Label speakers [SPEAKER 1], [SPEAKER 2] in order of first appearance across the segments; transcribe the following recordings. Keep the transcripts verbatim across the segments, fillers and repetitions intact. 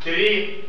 [SPEAKER 1] три.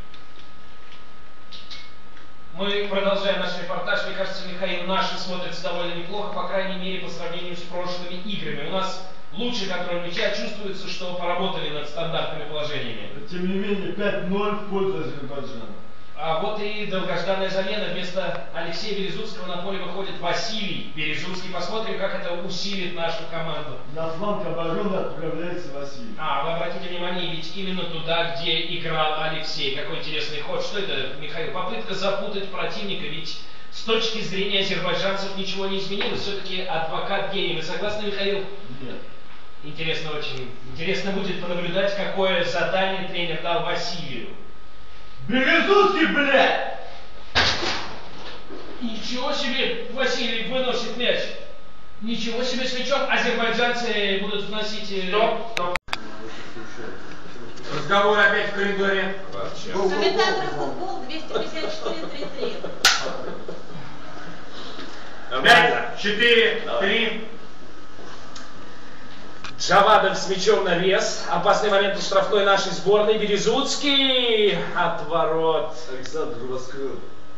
[SPEAKER 2] Мы продолжаем наш репортаж. Мне кажется, Михаил, наши смотрятся довольно неплохо, по крайней мере, по сравнению с прошлыми играми. У нас лучший контроль мяча, чувствуется, что поработали над стандартными положениями.
[SPEAKER 3] Тем не менее, пять ноль в пользу Азербайджана.
[SPEAKER 2] А вот и долгожданная замена. Вместо Алексея Березутского на поле выходит Василий Березутский. Посмотрим, как это усилит нашу команду.
[SPEAKER 3] На фланг обороны отправляется Василий.
[SPEAKER 2] А, вы обратите внимание, ведь именно туда, где играл Алексей. Какой интересный ход. Что это, Михаил? Попытка запутать противника, ведь с точки зрения азербайджанцев ничего не изменилось. Все-таки адвокат гений. Вы согласны, Михаил?
[SPEAKER 3] Нет.
[SPEAKER 2] Интересно очень. Интересно будет понаблюдать, какое задание тренер дал Василию.
[SPEAKER 3] Березутский, блядь!
[SPEAKER 2] Ничего себе, Василий выносит мяч. Ничего себе с мячом. Азербайджанцы будут вносить...
[SPEAKER 1] Стоп, стоп. Разговор опять в коридоре.
[SPEAKER 4] Комментатор футбол двести пятьдесят четыре тридцать три.
[SPEAKER 1] Пять, четыре, три.
[SPEAKER 2] Джавадов с мячом на вес. Опасный момент у штрафной нашей сборной. Березутский. Отворот.
[SPEAKER 3] Александр раскрыл.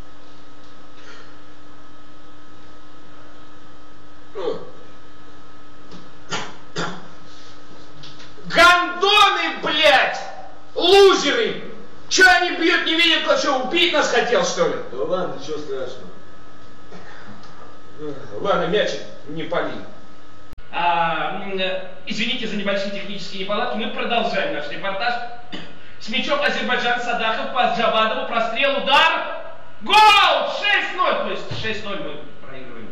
[SPEAKER 2] Гандоны, блядь! Лузеры! Че они бьют, не видят, кто что, убить нас хотел, что ли?
[SPEAKER 3] Да ладно, ничего страшного.
[SPEAKER 2] Ладно, мячик, не пали. А, извините за небольшие технические неполадки, мы продолжаем наш репортаж. С мячом Азербайджан, Садахов по Джавадову, прострел, удар, гол! шесть ноль, то есть шесть ноль мы проигрываем.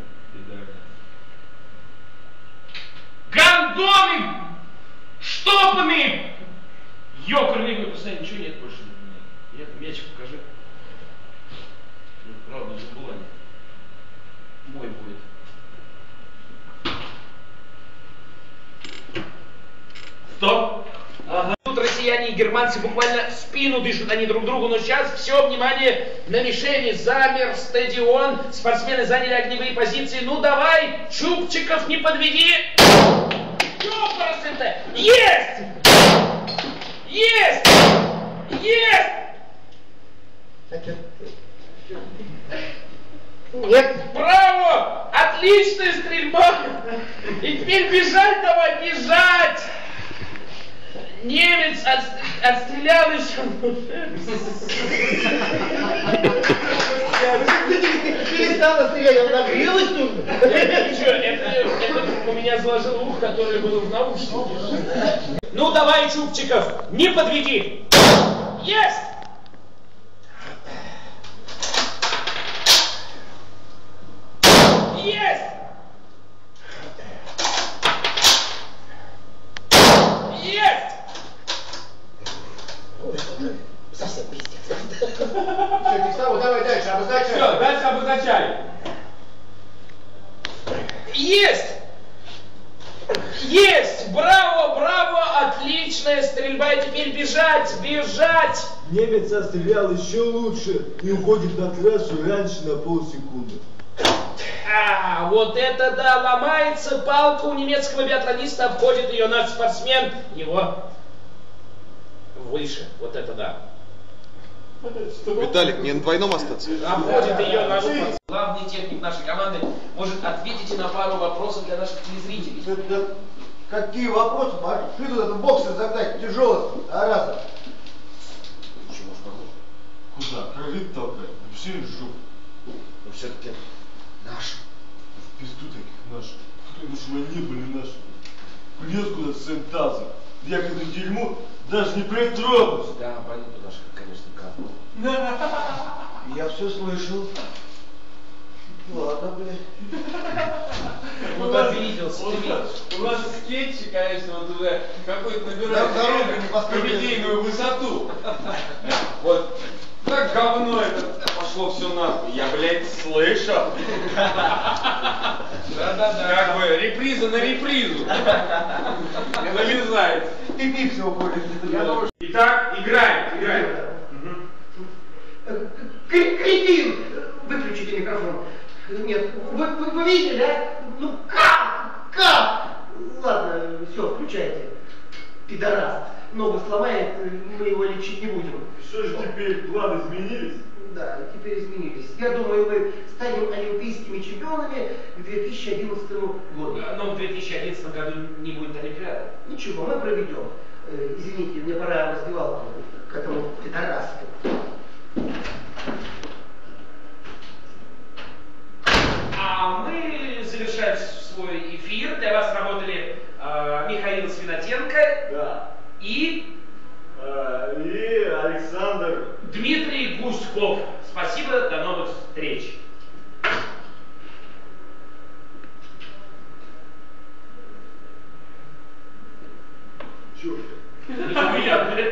[SPEAKER 2] Гандоны! Штопанные! Ёкарный выпуск, ничего нет больше. Нет, мячик покажи. Ну, правда, забыла. Мой будет.
[SPEAKER 1] Стоп.
[SPEAKER 2] Ага. Тут россияне и германцы буквально в спину дышат они друг другу, но сейчас все внимание на мишени. Замер стадион, спортсмены заняли огневые позиции. Ну давай, Чубчиков, не подведи. Ёпарасы-то! Есть! Есть! Есть! Нет, браво! Отличная стрельба! И теперь бежать давай, бежать! Немец от, отстрелял еще.
[SPEAKER 5] Перестала стрелять, он нагрелась тут.
[SPEAKER 2] Ничего, это, это у меня заложил ух, который был в наушнике. Ну давай, Чубчиков, не подведи. Есть! Есть! Есть!
[SPEAKER 5] Совсем пиздец. Все, Текстау, давай дальше, обозначай.
[SPEAKER 1] Все, дальше обозначай.
[SPEAKER 2] Есть! Есть! Браво, браво! Отличная стрельба! И теперь бежать, бежать!
[SPEAKER 3] Немец отстрелял еще лучше и уходит на трассу раньше на полсекунды.
[SPEAKER 2] А, вот это да! Ломается палка у немецкого биатлониста, обходит ее наш спортсмен. Его выше. Вот это да.
[SPEAKER 6] Виталик, мне на двойном остаться?
[SPEAKER 2] Обходит ее наш спортсмен. Главный техник нашей команды может ответить на пару вопросов для наших телезрителей.
[SPEAKER 5] Да, да, какие вопросы? Пошли тут этот боксер загнать, тяжелый, а раза.
[SPEAKER 3] Куда? Кролик толкать? Все в жопу.
[SPEAKER 5] Но все-таки наш.
[SPEAKER 3] В пизду таких наших. Потому что мы не были наши. Плес куда с сентазом. Я к этому дерьму даже не притронусь.
[SPEAKER 2] Да, понятно, наш, конечно, капнул.
[SPEAKER 5] Я все слышал. Ладно, блядь.
[SPEAKER 2] Вот обиделся.
[SPEAKER 1] У нас скетчи, конечно, вот уже какой-то набирает комедийную высоту. Вот так говно это пошло все нахуй. Я, блядь, слышал. Да-да-да. Как бы реприза на репризу. Налезает.
[SPEAKER 5] Ты пик всего более.
[SPEAKER 1] Итак, играем, играем.
[SPEAKER 5] Кретин! Выключите микрофон. Нет, вы, вы, вы видели, да? Ну как? Как? Ладно, все, включайте. Пидорас. Ногу сломает, мы его лечить не будем.
[SPEAKER 3] Что же теперь, планы изменились?
[SPEAKER 5] Да, теперь изменились. Я думаю, мы станем олимпийскими чемпионами к две тысячи одиннадцатому году.
[SPEAKER 2] Но в две тысячи одиннадцатом году не будет Олимпиады.
[SPEAKER 5] Ничего, мы проведем. Э, извините, мне пора в раздевалку к этому пидорасу.
[SPEAKER 2] А мы завершаем свой эфир. Для вас работали э, Михаил Свинотенко
[SPEAKER 3] Да.
[SPEAKER 2] и...
[SPEAKER 3] А, и Александр.
[SPEAKER 2] Дмитрий Гуськов. Спасибо, до новых встреч.
[SPEAKER 3] Чё?
[SPEAKER 2] Я,